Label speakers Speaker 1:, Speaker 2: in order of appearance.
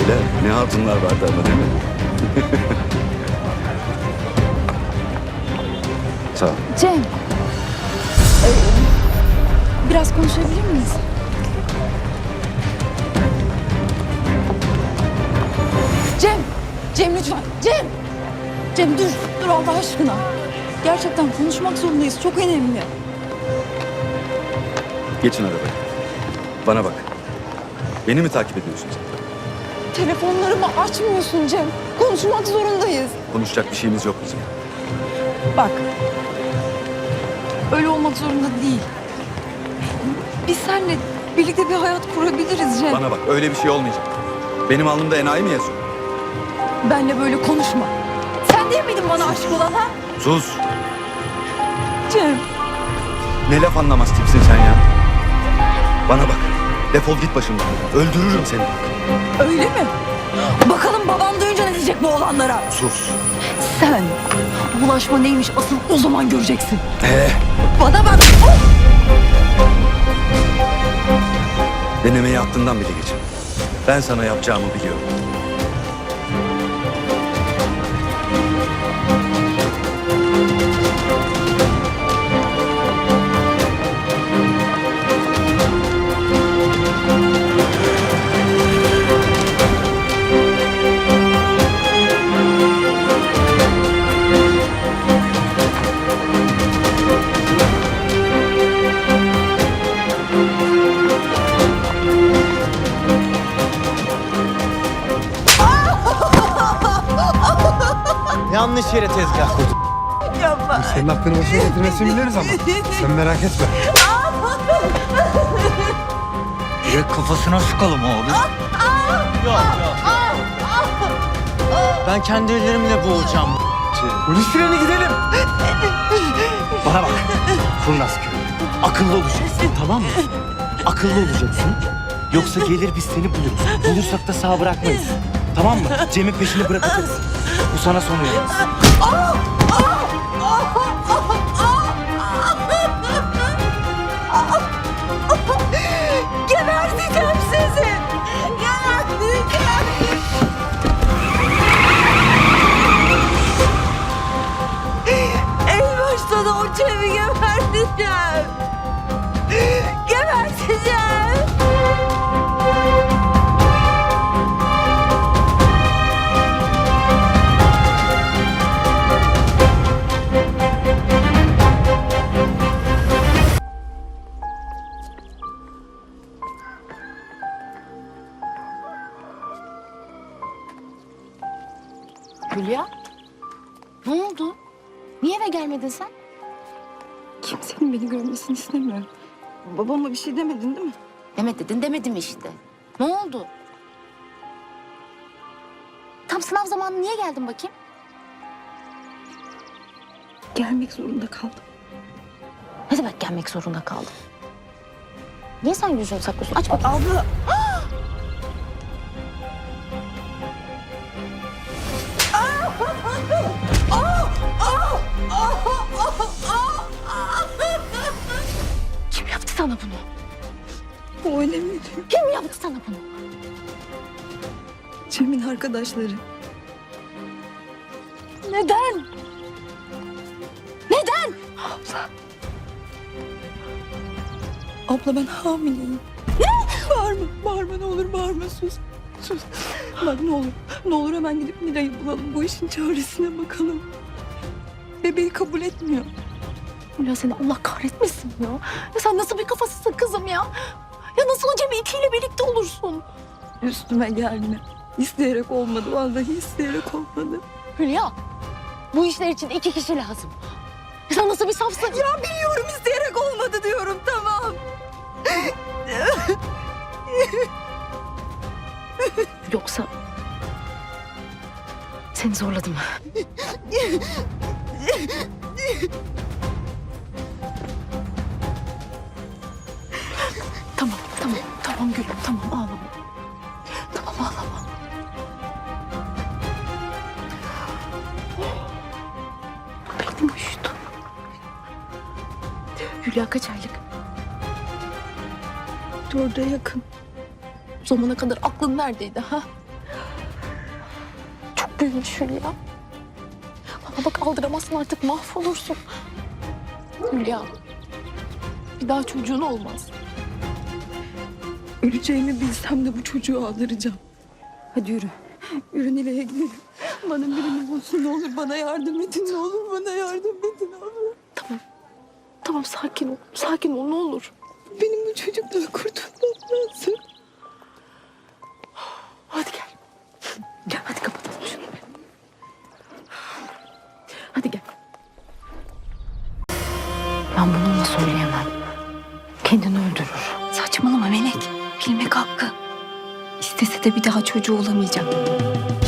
Speaker 1: Beyler ne hatunlar vardı ama değil mi? Sağ ol.
Speaker 2: Cem. Biraz konuşabilir miyiz? Cem. Cem lütfen. Cem. Cem dur. Dur Allah aşkına. Gerçekten konuşmak zorundayız. Çok önemli.
Speaker 1: Geçin arabaya. Bana bak. Beni mi takip ediyorsun sen?
Speaker 2: Telefonlarımı açmıyorsun Cem. Konuşmak zorundayız.
Speaker 1: Konuşacak bir şeyimiz yok bizim.
Speaker 2: Bak. Öyle olmak zorunda değil. Biz seninle birlikte bir hayat kurabiliriz Cem.
Speaker 1: Bana bak öyle bir şey olmayacak. Benim alnımda enayi mi yazıyor?
Speaker 2: Benle böyle konuşma. Sen değil miydin bana aşık olan ha?
Speaker 1: Sus.
Speaker 2: Cem.
Speaker 1: Ne laf anlamaz tipsin sen ya. Bana bak. Defol git başımdan. Öldürürüm seni.
Speaker 2: Öyle mi? Bakalım babam duyunca ne diyecek bu olanlara?
Speaker 1: Sus.
Speaker 2: Sen bulaşma neymiş asıl o zaman göreceksin.
Speaker 1: Ee,
Speaker 2: Bana bak.
Speaker 1: denemeyi aklından bile geçin. Ben sana yapacağımı biliyorum.
Speaker 3: Yanlış yere tezgah kurduk.
Speaker 2: Yapma.
Speaker 4: Senin aklını başına getirmesini biliriz ama. Sen merak etme.
Speaker 3: Direkt kafasına sıkalım abi. Yok. Ben kendi ellerimle boğacağım.
Speaker 4: Polis freni gidelim.
Speaker 3: Bana bak. Kurnaz köy. Akıllı olacaksın, tamam mı? Akıllı olacaksın. Yoksa gelir biz seni buluruz. Bulursak da sağ bırakmayız. Tamam mı? Cem'in peşini bırakacaksın. Bu sana son uyarımız.
Speaker 2: Geberteceğim sizi. Geberteceğim. En başta da o Cem'i geberteceğim. Geberteceğim.
Speaker 5: Hülya, ne oldu? Niye eve gelmedin sen?
Speaker 2: Kimsenin beni görmesini istemiyorum. Babama bir şey demedin değil mi?
Speaker 5: Demet dedin, demedim işte. Ne oldu? Tam sınav zamanı niye geldin bakayım?
Speaker 2: Gelmek zorunda kaldım.
Speaker 5: Ne demek gelmek zorunda kaldın? Niye sen yüzünü saklıyorsun? Aç bakayım.
Speaker 2: Abla.
Speaker 5: Kim yaptı sana bunu?
Speaker 2: O önemli.
Speaker 5: Kim yaptı sana bunu?
Speaker 2: Cem'in arkadaşları.
Speaker 5: Neden? Neden?
Speaker 2: Abla ben hamileyim. Bağırma ne olur bağırma sus. Sus. Bak ne olur hemen gidip Mira'yı bulalım. Bu işin çaresine bakalım. Bebeği kabul etmiyor.
Speaker 5: Hülya seni Allah kahretmesin ya. Ya sen nasıl bir kafasızsın kızım ya? Ya nasıl o Cem'i itiyle birlikte olursun?
Speaker 2: Üstüme gelme. İsteyerek olmadı. Vallahi isteyerek olmadı.
Speaker 5: Hülya, bu işler için 2 kişi lazım. Ya sen nasıl bir safsın?
Speaker 2: Ya biliyorum isteyerek olmadı diyorum tamam.
Speaker 5: Yoksa seni zorladım. Tamam gülüm, tamam ağlama. Tamam ağlama. Beynim uyuştu. Hülya kaç aylık?
Speaker 2: 4'e yakın.
Speaker 5: Bu zamana kadar aklın neredeydi ha? büyümüş Hülya. Bana bak aldıramazsın artık mahvolursun. Hülya. Bir daha çocuğun olmaz.
Speaker 2: Öleceğimi bilsem de bu çocuğu aldıracağım. Hadi yürü. Yürü Nilay'a gidelim. Bana birini bulsun ne olur bana yardım edin ne olur bana yardım edin abi.
Speaker 5: Tamam sakin ol. Sakin ol ne olur.
Speaker 2: Benim bu çocuktan kurtulmam lazım.
Speaker 5: Hadi gel. Gel hadi kapatalım şunu. Hadi gel. Ben bunu ona söyleyemem. Kendini öldürür.
Speaker 2: Saçmalama Melek. Bilmek hakkı. İstese de bir daha çocuğu olamayacak.